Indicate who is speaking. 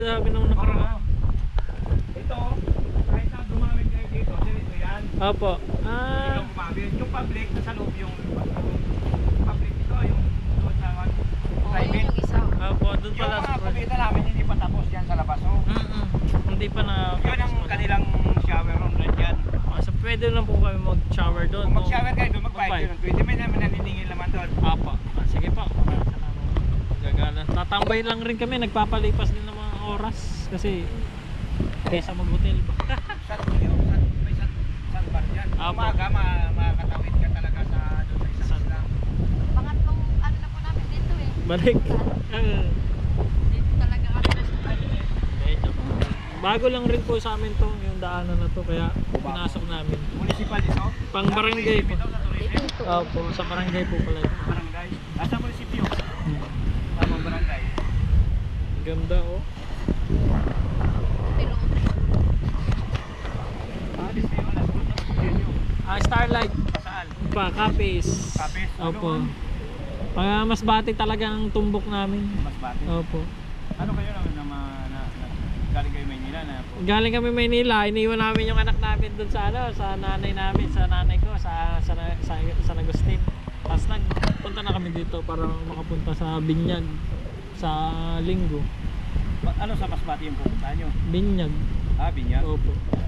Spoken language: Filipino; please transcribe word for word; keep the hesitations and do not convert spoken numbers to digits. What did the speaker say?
Speaker 1: Sabi nung nakaraan.
Speaker 2: Ito, kahit na gumamit kayo dito, dito yan.
Speaker 1: Opo.
Speaker 2: Hindi
Speaker 1: Ah,
Speaker 2: lang gumamit. Yung public, nasa loob yung public ito, yung doon sa private.
Speaker 3: yung isa.
Speaker 1: opo, doon
Speaker 2: Yung
Speaker 1: pala sa
Speaker 2: mga kumita namin, hindi pa tapos yan sa labas. Oh.
Speaker 1: Mm-mm. Hindi pa na.
Speaker 2: Yun ang kanilang shower room doon dyan.
Speaker 1: Ah, so pwede lang po kami mag-shower doon.
Speaker 2: Kung
Speaker 1: no?
Speaker 2: mag-shower kayo doon, mag-bayad
Speaker 1: Mag-bayad.
Speaker 2: yun. twenty may namin naniningil naman doon.
Speaker 1: Apo. Ah, sige po. Gagana. Tatambay lang rin kami, nagpapalipas din ng mga oras kasi kaysa mag-hotel pa.
Speaker 2: San yun, san, may san, san bar dyan.
Speaker 1: Apo.
Speaker 2: Umaga, ma, makakatawid ka talaga sa doon sa isang isla.
Speaker 3: Pangatlong ano na po namin dito eh.
Speaker 1: Balik. Ah,
Speaker 3: Dito talaga kami na sa
Speaker 1: medyo. Bago lang rin po sa amin to, yung daanan na to, kaya pinasok namin.
Speaker 2: Municipal ito?
Speaker 1: Pang barangay po.
Speaker 2: Ito sa tourism?
Speaker 1: Opo, sa barangay po pala ito.
Speaker 2: Barangay. Nasa munisipyo.
Speaker 1: Hmm.
Speaker 2: Tamang barangay.
Speaker 1: Ganda oh.
Speaker 3: Pero
Speaker 2: Ah, di sa'yo, alas doon sa studio.
Speaker 1: Ah, Starlight
Speaker 2: Saan?
Speaker 1: pa, Capes.
Speaker 2: Capes, ano?
Speaker 1: Opo. Pag mas bati talaga ang tumbok namin.
Speaker 2: Mas bati.
Speaker 1: Opo.
Speaker 2: Ano kayo naman na, ma- na, na, galing kayo Maynila na po?
Speaker 1: Galing kami Maynila, iniwan namin yung anak namin doon sa ano, sa nanay namin, sa nanay ko, sa sa sa, San Agustin. Tapos nagpunta na kami dito para makapunta sa Binyag sa Linggo.
Speaker 2: Ba- ano sa Masbate yung pupuntahan nyo?
Speaker 1: Binyag.
Speaker 2: Ah, Binyag.
Speaker 1: Opo.